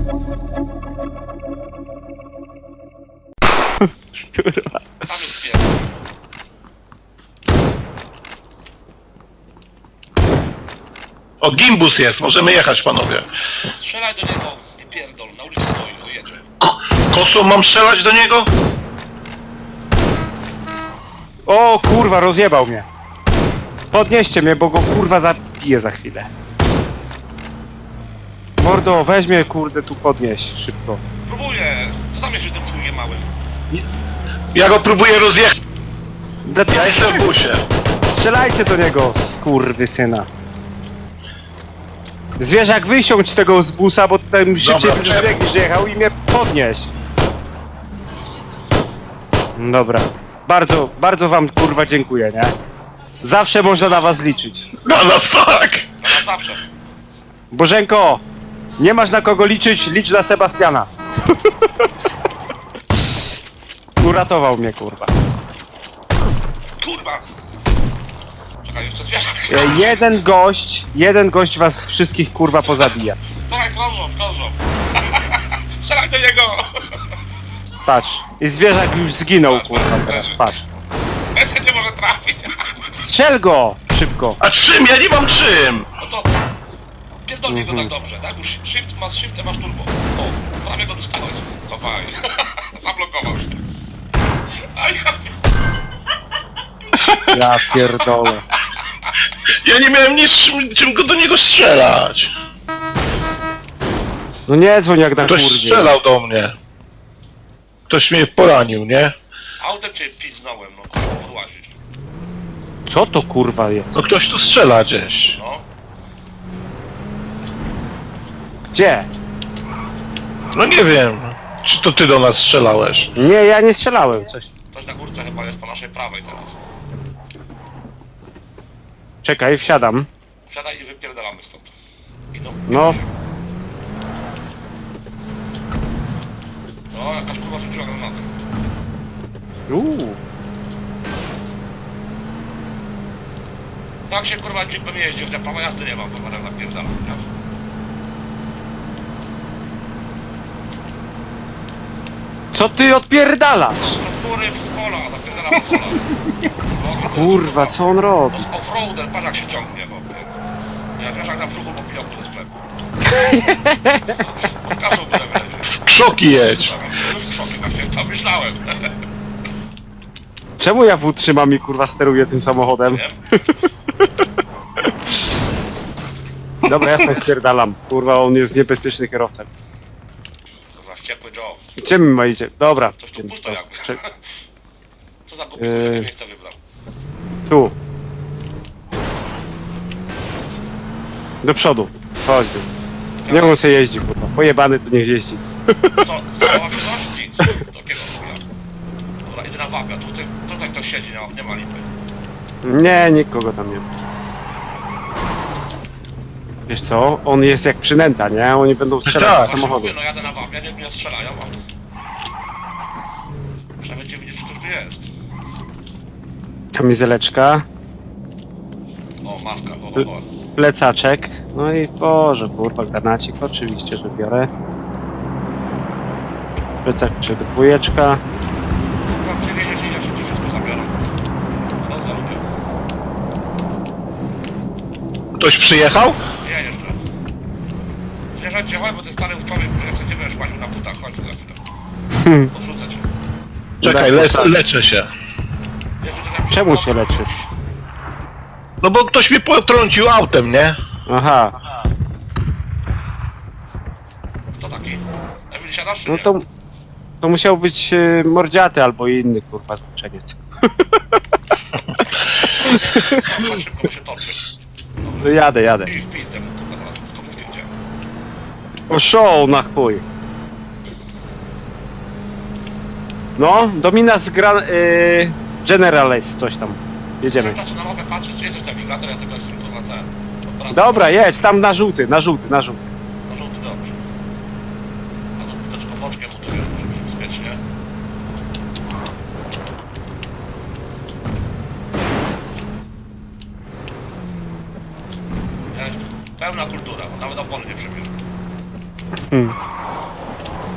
Kurwa. Tam jest pierdol. O, gimbus jest, możemy jechać, panowie. Strzelaj do niego, nie pierdol, na ulicy stoi, o jedzie. Kosą mam strzelać do niego? O kurwa, rozjebał mnie. Podnieście mnie, bo go kurwa zabiję za chwilę. Mordo, weź mnie kurde tu podnieś, szybko. Próbuję, co tam jest w tym chujem małym? Ja go próbuję rozjechać. Ja jestem w busie. Strzelajcie do niego, skurwysyna. Zwierzak, wysiądź tego z busa, bo ten szybciej Dobra, biegniesz jechał i mnie podnieś. Dobra. Bardzo, bardzo wam kurwa dziękuję, nie? Zawsze można na was liczyć. No fuck! No na zawsze. Bożenko, nie masz na kogo liczyć, licz na Sebastiana. Uratował mnie, kurwa. Kurwa! Czekaj, jeszcze zwierzak. Jeden gość was wszystkich kurwa pozabija. Czekaj, krążą. Strzelaj do niego! Patrz, i zwierzak już zginął, kurwa, teraz, patrz. Ten nie może trafić. Strzel go! Szybko. A czym? Ja nie mam czym! No to... Pierdolnij go tak dobrze, tak? Już masz shift, masz turbo. O, prawie go dostałeś. Cofaj. Zablokował się. A ja... Ja pierdolę. Ja nie miałem nic czym go do niego strzelać. No nie dzwoń jak na Ktoś kurwie. strzelał do mnie. Ktoś mnie poranił, nie? Autem cię piznąłem, no kurwa, podłazić. Co to kurwa jest? No ktoś tu strzela gdzieś. No. Gdzie? No nie wiem. Czy to ty do nas strzelałeś? Nie, ja nie strzelałem, coś. Coś na górce chyba jest po naszej prawej teraz. Czekaj, wsiadam. Wsiadaj i wypierdalamy stąd. Idą. No. No, jakaś kurwa rzuciła granatę. Tak się kurwa jeepem jeździ, chociaż prawa jazdy nie mam, bo teraz zapierdalam. Co ty odpierdalasz? Przez góry, przez pola, zapierdalam z pola. No, Kurwa, co on robi? To jest offroader, patrz jak się ciągnie, chłopie. Ja zwierzak na brzuchu po pijoku ze sklepu. Pod kasą byle wlezie. Krzoki jedź. Już w szokie, właśnie to myślałem. Czemu ja w trzymam i kurwa steruję tym samochodem? Wiem? Dobra, ja sobie spierdalam. Kurwa, on jest niebezpieczny kierowcą. Kurwa, wściekły Joe. Gdzie my macie? Dobra. Coś tu pusto jakby. Cze- Co za głupi, jakie miejsce wybrał. Tu. Do przodu. Chodź tu. Nie on se jeździ, kurwa. Pojebany to niech jeździ. Co? Stało mi coś? Nic. Takiego chuja. Dobra, idę na wapia. Tutaj ktoś siedzi, nie ma lipy. Nie, nikogo tam nie ma. Wiesz co? On jest jak przynęta, nie? Oni będą strzelać Tak. do Właśnie samochodu. mówię, no jadę na wapia, nie mnie strzelają, a... Przynajmniej będziemy widzieć, kto tu jest. Kamizeleczka. O, maska, ho. Plecaczek. No i Boże, kurwa, granacik. Oczywiście, że biorę. Plecaczek, dwójeczka. Kurwa, przewieziesz i ja się ci wszystko zabiorą. Co za ludzie? Ktoś przyjechał? Nie, jeszcze. Zwierzę cię, chodź, bo ty stary człowiek, który sobie będziesz łaził na butach, chodź za chwilę. Odrzucę cię. Czekaj, leczę się. Wiesz, że to jakiś Czemu chłop- się leczysz? No bo ktoś mnie potrącił autem, nie? Aha. Kto taki? Emil, siadasz czy No nie? to musiał być mordziaty albo inny, kurwa, zboczeniec. Chodź szybko, bo się toczy. No jadę. I w pizdę mu, kurwa, teraz, tylko mówcie gdzie. O show na chuj. No, Dominas Generales, coś tam. Jedziemy. Ja na mogę patrzeć, czy jesteś nawigator, ja tylko jestem kurwa ten. Dobra, jedź, tam na żółty. Na żółty dobrze. A to buteczką boczkiem, bo to wiesz, może być bezpiecznie. Pełna kultura, bo nawet opony nie przebierze.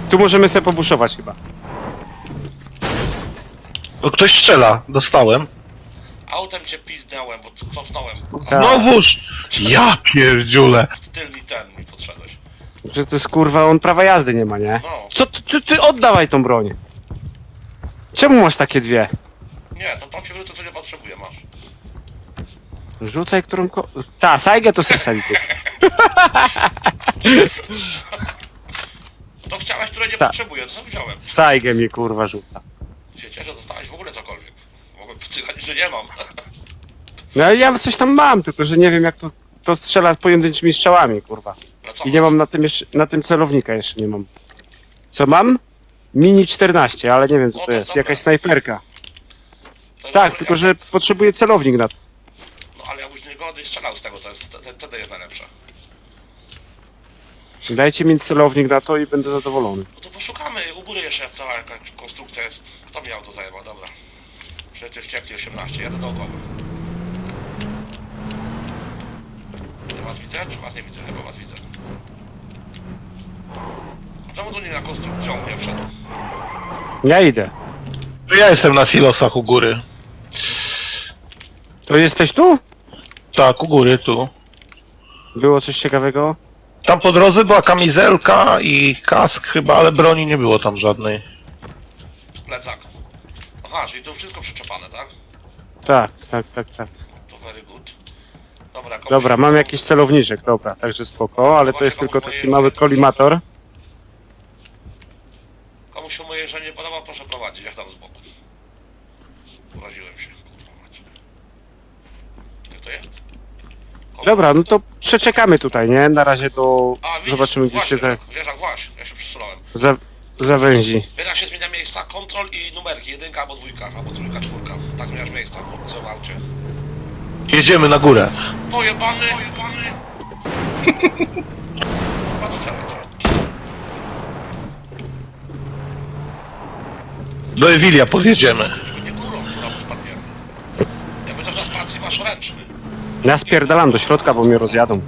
Tu możemy sobie pobuszować chyba. No ktoś strzela, dostałem. Autem cię pizdnąłem, bo cofnąłem. Tak. Znowuż! Ja pierdziule. W tylny ten mi podszedłeś. Że to jest kurwa, on prawa jazdy nie ma, nie? No. Co ty oddawaj tą broń. Czemu masz takie dwie? Nie, to tam się wrócę, co nie potrzebuję, masz. Rzucaj którą Ta, sajgę to sobie wsadzi tu. To chciałeś, które nie Tak. potrzebuję, to sobie wziąłem. Sajgę mi kurwa rzuca. Się cieszę, że dostałeś w ogóle cokolwiek. Mogłem przyjechać, że nie mam. No ale ja coś tam mam, tylko że nie wiem jak to strzela pojedynczymi strzałami, kurwa. No co I nie masz? mam na tym celownika jeszcze nie mam. Co mam? Mini 14, ale nie wiem co O, to to jest. dobra. Jakaś snajperka. To jest Tak, dobry- tylko że potrzebuję celownik na to. No ale jakbyś nie godny strzelał z tego, to jest, wtedy jest najlepsze. Dajcie mi celownik na to i będę zadowolony. No to poszukamy, u góry jeszcze cała jakaś konstrukcja jest. Kto mi auto zajebał, dobra. Przecież wściekli 18, jadę dookoła. Ja was widzę, czy was nie widzę? Chyba was widzę. A czemu tu nie na konstrukcją nie wszedł? Ja idę. To ja jestem na silosach u góry. To jesteś tu? Tak, u góry, tu. Było coś ciekawego? Tam po drodze była kamizelka i kask chyba, ale broni nie było tam żadnej. Plecak. Aha, czyli to wszystko przyczepane, tak? Tak. To very good. Dobra, komuś Dobra, się- mam jakiś celowniczek, dobra, także spoko, ale to jest tylko taki mały kolimator. Komuś się moje że nie podoba, proszę prowadzić, jak tam z boku. Poraziłem się, kurwa mać. Jak to jest? Komu? Dobra, no to przeczekamy tutaj, nie? Na razie do... A, widzisz, Zobaczymy gdzie się właśnie, Wierzak, właśnie, ja się przesunąłem. zawęzi. Wierzak się zmienia miejsca, kontrol i numerki, jedynka albo dwójka, albo trójka, czwórka. Tak zmieniasz miejsca, co w aucie. Jedziemy na górę. Pojebany! Patrz, strzelać. Do Ewilia podjedziemy. Tylko nie górą, która mu spadniemy. Jakby to na spacji masz ręczny. Ja spierdalam do środka, bo mnie rozjadą.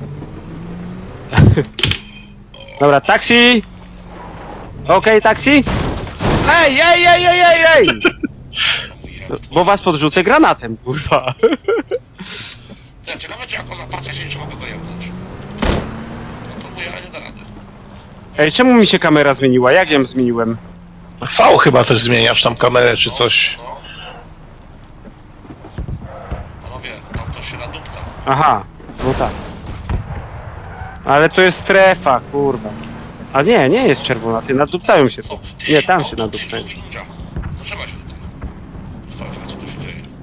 Dobra, taksi! Okej, taksi! Ej! No mój jeb. Bo was podrzucę granatem, kurwa. Ty, ciekawe czy jak on na pacie się nie mogę go jebnąć. No próbuję, ale nie da rady. Ej, czemu mi się kamera zmieniła? Jak ją zmieniłem? V chyba też zmieniasz tam kamerę czy coś. No. Panowie, tam to się nadupca. Aha, no tak. Ale to jest strefa, kurwa. A nie jest czerwona, ty nadupcają się tu. Nie, tam się nadupcają. Zatrzymaj się tutaj. Sprawdźmy co tu się dzieje.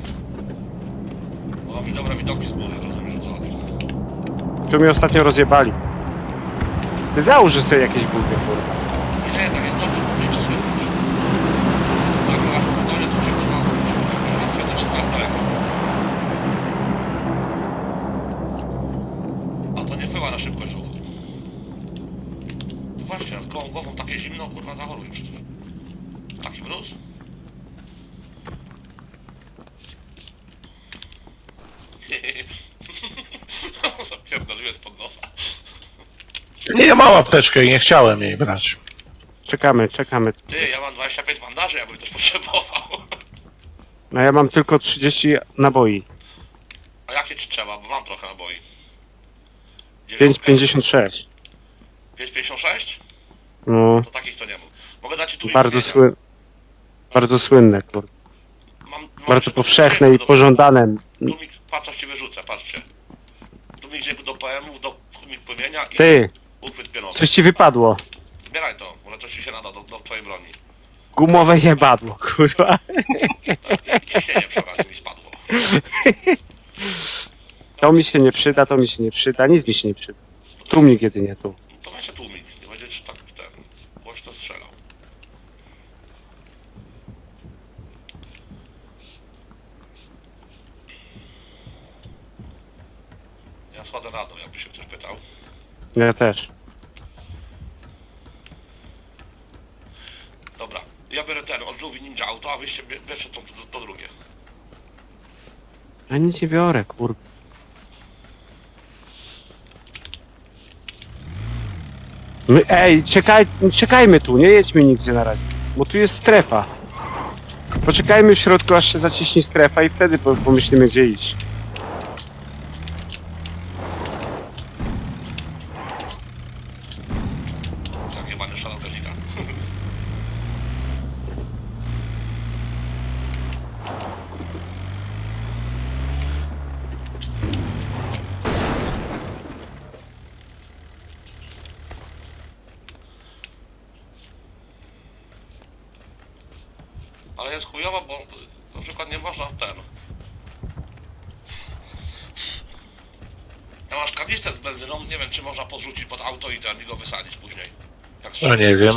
Bo mam dobre widoki z góry, rozumiem, że co chodzi. Tu mnie ostatnio rozjebali. Ty załóż sobie jakieś buty, kurwa. Nie, tak jest dobrze, nie to słychać. Tak, no masz pytanie, to cię kurwa. Łatwe to wszystko jest daleko. A to nie wpływa na szybkość ruchu. No właśnie, z gołą głową takie zimno, kurwa, zachoruję przecież. Taki mróz? Zapierdoliłem spod nosa. Nie, mam apteczkę i nie chciałem jej brać. Czekamy. Ty, ja mam 25 bandaży, jakby ktoś potrzebował. No ja mam tylko 30 naboi. A jakie ci trzeba, bo mam trochę naboi. 5,56. 5,56? No, To takich to nie mam. Mogę dać ci tu bardzo słynne, kurwa. Mam Bardzo powszechne i pożądane. Tu mi, patrz coś ci wyrzucę, patrzcie. Tu mi idzie do PM-ów, do mi płymienia i Ty, uchwyt pionowy. coś ci wypadło. Zbieraj to, może coś ci się nada do twojej broni. Gumowe jebadło, kurwa. Tak, i ciśnienie przy okazji mi spadło. To mi się nie przyda, nic mi się nie przyda. Tłumik jedynie tu. To weź się tłumik, nie będziesz tak ten głośno strzelał. Ja schodzę na dół, jakby się ktoś pytał. Ja też. Dobra, ja biorę ten od żółwi ninja auto, a wyście bierzcie to drugie. Ja nic nie biorę, kurwa. Ej, czekajmy tu, nie jedźmy nigdzie na razie. Bo tu jest strefa. Poczekajmy w środku, aż się zaciśnie strefa i wtedy pomyślimy, gdzie iść. Tak, chyba nie szalał technika. Ale jest chujowo, bo na przykład nie można w ten. Ja masz kanister z benzyną, nie wiem czy można podrzucić pod auto i ten i go wysadzić później. Jak No nie wiem.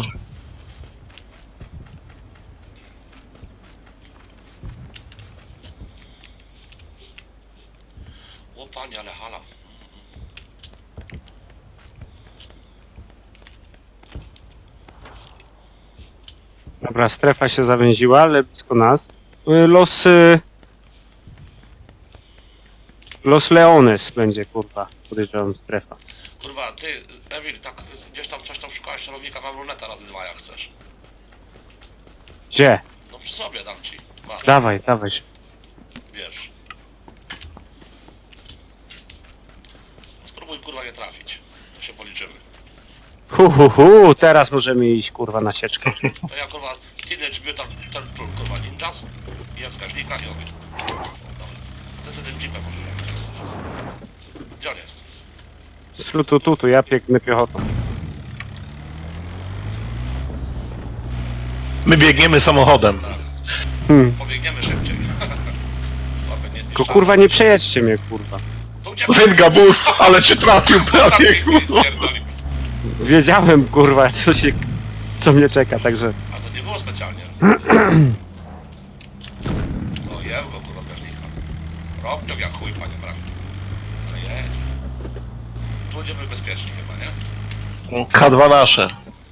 O panie, ale hala. Dobra, strefa się zawęziła, ale blisko nas. Los Leones będzie, kurwa, podejrzewam strefa. Kurwa, ty, Emil, tak gdzieś tam coś tam szukałeś celownika, mam luneta razy 2 jak chcesz. Gdzie? No przy sobie dam ci. Masz, Dawaj. wiesz. Spróbuj kurwa nie trafić. To się policzymy. Teraz możemy iść, kurwa, na sieczkę. To ja kurwa Teenage Mutant Turtle kurwa Ninjas i jak wskaźnika i ogień. Dobra. Ty sobie tym jeepem możesz jak chcesz. Gdzie on jest? Z flutu tu, ja biegnę piechotą. My biegniemy samochodem. Pobiegniemy szybciej. Łapę nie Tylko zniszczamy. kurwa nie przejedźcie mnie, kurwa. To uciekaj. Ten gabus, ale cię trafił prawie. Prawie Kurwa. spierdolił. Wiedziałem, kurwa, co mnie czeka, także... A to nie było specjalnie. O jeł go kurwa z gaźnika. Robnią jak chuj panie prawie. Ale jedź. Tu będziemy bezpieczni chyba, nie? K2 nasze.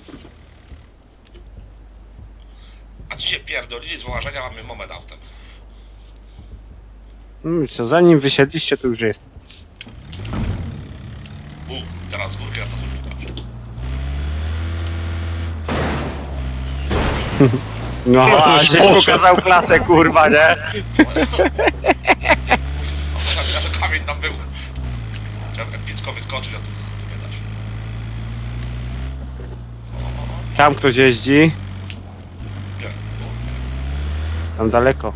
A ci się pierdolili z wyłażenia, mamy moment autem. Co, zanim wysiedliście, to już jest. Teraz z górki na to zupełnie. No, a żeś pokazał klasę, kurwa, nie? A że kamień tam był. Trzeba epicko wyskoczyć, a tu nie da się. Tam ktoś jeździ, Gdzie? tam daleko.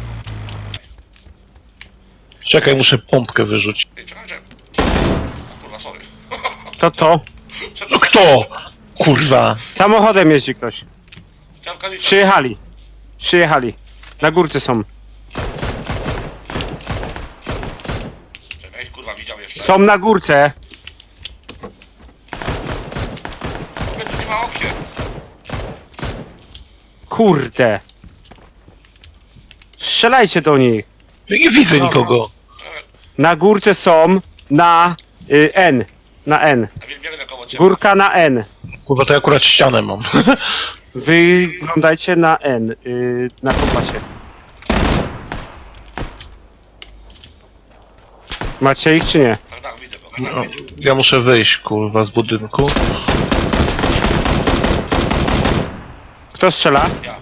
Czekaj, muszę pompkę wyrzucić. Ej, czekaj. Kurwa, sorry. To? No kto? Kurwa. Samochodem jeździ ktoś. Chciałem kanister. Przyjechali. Na górce są. Czekaj, kurwa, widział jeszcze. Są na górce. Mówię, tu nie ma okien. Kurde. Strzelajcie do nich. Ja nie widzę nikogo. Czekaj, Na górce są na N. Na N. a więc biegnę koło ciebie. Górka na N. Kurwa, to ja akurat ścianę mam. Wyglądajcie na N. Na kompasie. Macie ich czy nie? Tak, tak, widzę go. No, ja muszę wyjść, kurwa, z budynku. Kto strzela? Ja.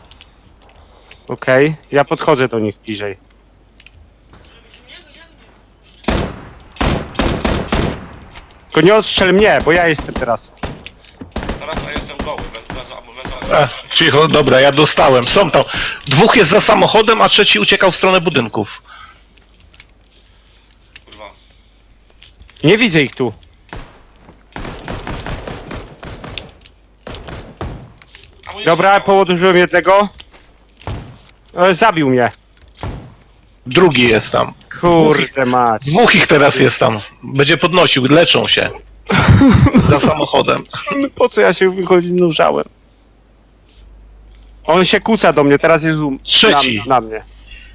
Okej. Ja podchodzę do nich bliżej. Tylko nie odstrzel mnie, bo ja jestem teraz. Teraz ja jestem goły, bez Cicho, dobra, ja dostałem. Są tam. Dwóch jest za samochodem, a trzeci uciekał w stronę budynków. kurwa. Nie widzę ich tu. Amunicji Dobra, nie ma. położyłem jednego. Zabił mnie. Drugi jest tam. Kurde mać. Dwóch ich teraz jest tam. Będzie podnosił, leczą się. Za samochodem. Po co ja się wynurzałem? On się kłóca do mnie, teraz jest Trzeci. na mnie.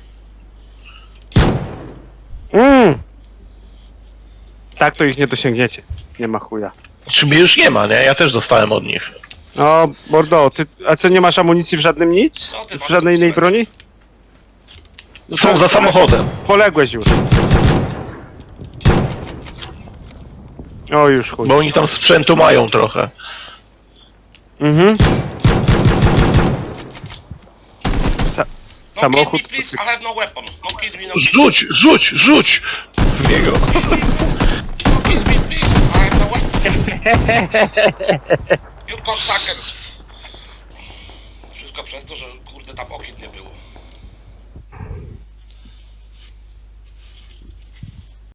Tak to ich nie dosięgniecie. Nie ma chuja. Czy mnie już nie ma, nie? Ja też dostałem od nich. No, Bordo, a co, nie masz amunicji w żadnym nic? No, ty W masz żadnej innej pistolet. broni? Są za samochodem. Poległeś już. O, już chuj. Bo oni tam sprzętu mają trochę. Mhm. No Samochód. kill me please, I have no weapon. No kill me, no kill me. Rzuć w niego. No kill me please, I have no weapon. You cocksuckers. Wszystko przez to, że kurde tam okien nie było.